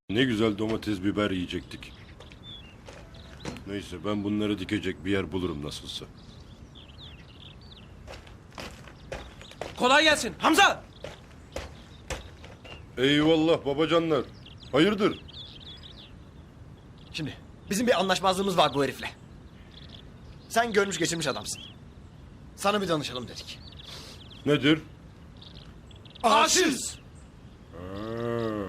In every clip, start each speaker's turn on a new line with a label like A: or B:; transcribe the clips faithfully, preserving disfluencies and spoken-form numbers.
A: Ne güzel domates biber yiyecektik. Neyse ben bunları dikecek bir yer bulurum nasılsa.
B: Kolay gelsin. Hamza!
A: Eyvallah babacanlar. Hayırdır?
C: Şimdi bizim bir anlaşmazlığımız var bu herifle. Sen görmüş geçirmiş adamsın. Sana bir danışalım dedik.
A: Nedir?
C: Aşığız.
A: Ha.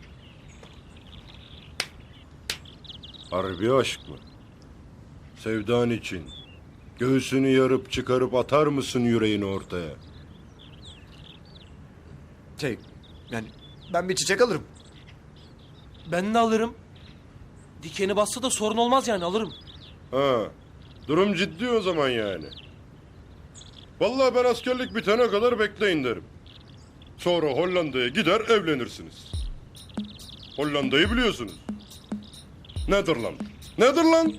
A: Harbi aşk mı? Sevdan için. Göğsünü yarıp çıkarıp atar mısın yüreğini ortaya?
C: Şey yani ben bir çiçek alırım.
B: Ben de alırım. Dikeni bassa da sorun olmaz yani alırım.
A: Ha. Durum ciddi o zaman yani. Vallahi ben askerlik bitene kadar bekleyin derim. Sonra Hollanda'ya gider evlenirsiniz. Hollanda'yı biliyorsunuz. Netherland. Netherland.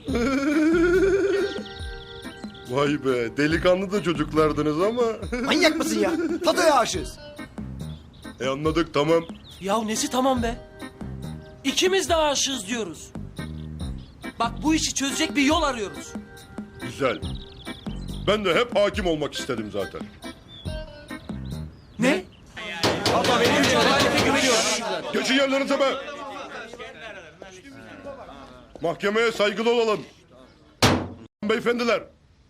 A: Vay be delikanlı da çocuklardınız ama.
C: Manyak mısın ya? Fatoya aşığız.
A: E anladık tamam.
B: Ya nesi tamam be? İkimiz de aşığız diyoruz. Bak bu işi çözecek bir yol arıyoruz.
A: Güzel. Ben de hep hakim olmak istedim zaten.
B: Ne?
C: Baba benim
B: Adalete güveniyoruz.
A: Geçin yerlerinize be. Mahkemeye saygılı olalım. Beyefendiler.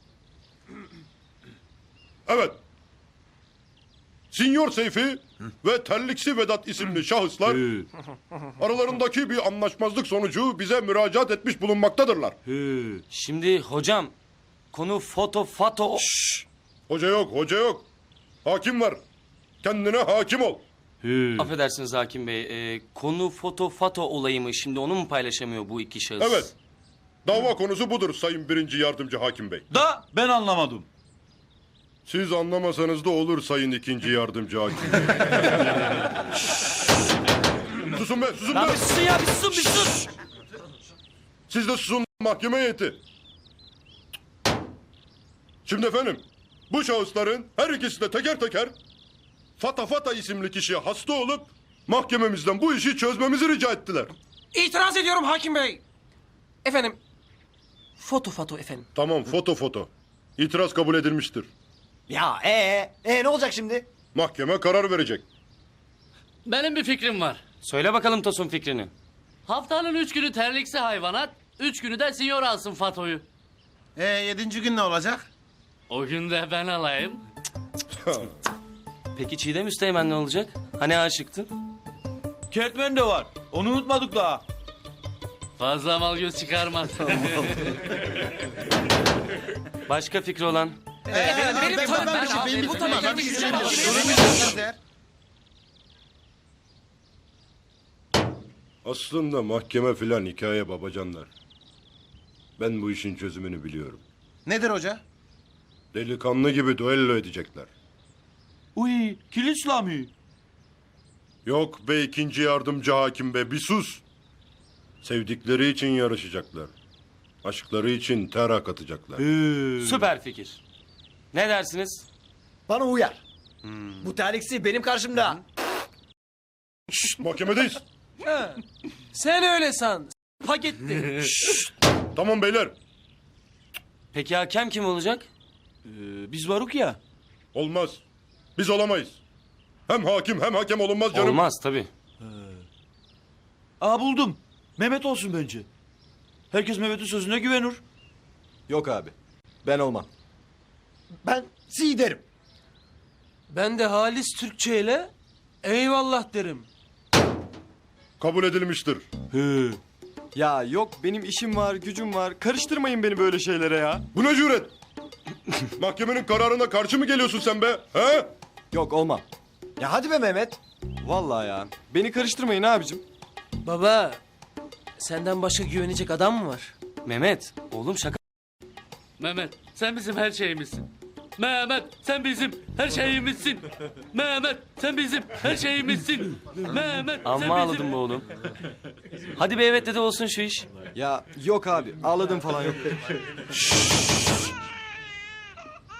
A: Evet. Sinyor Seyfi ve Terliksi Vedat isimli şahıslar aralarındaki bir anlaşmazlık sonucu bize müracaat etmiş bulunmaktadırlar.
D: Şimdi hocam konu foto fato.
A: Hoca yok, hoca yok. Hakim var. Kendine hakim ol.
D: Affedersiniz hakim bey. e, konu foto fato olayı mı? Şimdi onu mu paylaşamıyor bu iki şahıs?
A: Evet. Dava konusu budur Sayın Birinci Yardımcı Hakim Bey.
E: Da ben anlamadım.
A: Siz anlamasanız da olur Sayın İkinci Yardımcı Hakim Bey. Susun be, susun
B: Lan
A: be.
B: bir susun ya bir susun bir sus.
A: Siz de susun mahkeme heyeti. Şimdi efendim, bu şahısların her ikisi de teker teker Fata Fata isimli kişiye hasta olup mahkememizden bu işi çözmemizi rica ettiler.
B: İtiraz ediyorum hakim bey. Efendim. Foto foto efendim.
A: Tamam, foto foto. İtiraz kabul edilmiştir.
C: Ya ee ee ne olacak şimdi?
A: Mahkeme karar verecek.
F: Benim bir fikrim var.
D: Söyle bakalım Tosun fikrini.
F: Haftanın üç günü terliksi hayvanat, üç günü de sinyor alsın Fato'yu.
E: Ee yedinci gün ne olacak?
F: O gün de ben alayım.
D: Peki Çiğdem Üsteğmen ne olacak? Hani aşıktın?
E: Kertmen de var. Onu unutmadık daha.
F: Fazla mal göz çıkarmaz.
D: Başka fikri olan?
B: benim
E: ben-
B: tamam
E: ben-
B: ben,
E: ben-
B: abi,
E: benim-
B: bu
E: benim-
B: tamam.
E: benim-
B: Ben bir
E: benim-
B: şey
E: benim-
B: yapamam.
E: benim-
A: Aslında mahkeme filan hikaye babacanlar. Ben bu işin çözümünü biliyorum.
E: Nedir hoca?
A: Delikanlı gibi duello edecekler.
E: Uy, kilit İslami.
A: Yok be ikinci yardımcı hakim be, bir sus. Sevdikleri için yarışacaklar. Aşkları için ter akıtacaklar.
D: Süper fikir. Ne dersiniz?
C: Bana uyar. Bu terliksi benim karşımda.
A: Şşt, mahkemedeyiz.
B: Sen öyle san. Paketti.
A: Tamam beyler.
D: Peki hakem kim olacak?
E: Ee, biz varuk ya.
A: Olmaz. Biz olamayız. Hem hakim hem hakem olunmaz canım.
D: Olmaz tabii.
E: Aa buldum. Mehmet olsun bence. Herkes Mehmet'in sözüne güvenir.
C: Yok abi. Ben olmam. Ben si derim.
B: Ben de Halis Türkçe ile eyvallah derim.
A: Kabul edilmiştir.
E: He.
G: Ya yok benim işim var, gücüm var. Karıştırmayın beni böyle şeylere ya.
A: Bu ne cüret? Mahkemenin kararına karşı mı geliyorsun sen be? He?
G: Yok olmam.
C: Ya hadi be Mehmet.
G: Vallahi ya. Beni karıştırmayın abicim.
B: Baba senden başka güvenecek adam mı var?
D: Mehmet, oğlum şaka.
F: Mehmet, sen bizim her şeyimizsin. Mehmet, sen bizim her şeyimizsin. Mehmet, sen bizim her şeyimizsin. Mehmet, sen
D: Amma
F: bizim...
D: ağladın be oğlum. Hadi be evet dedi olsun şu iş.
G: Ya yok abi ağladım falan yok.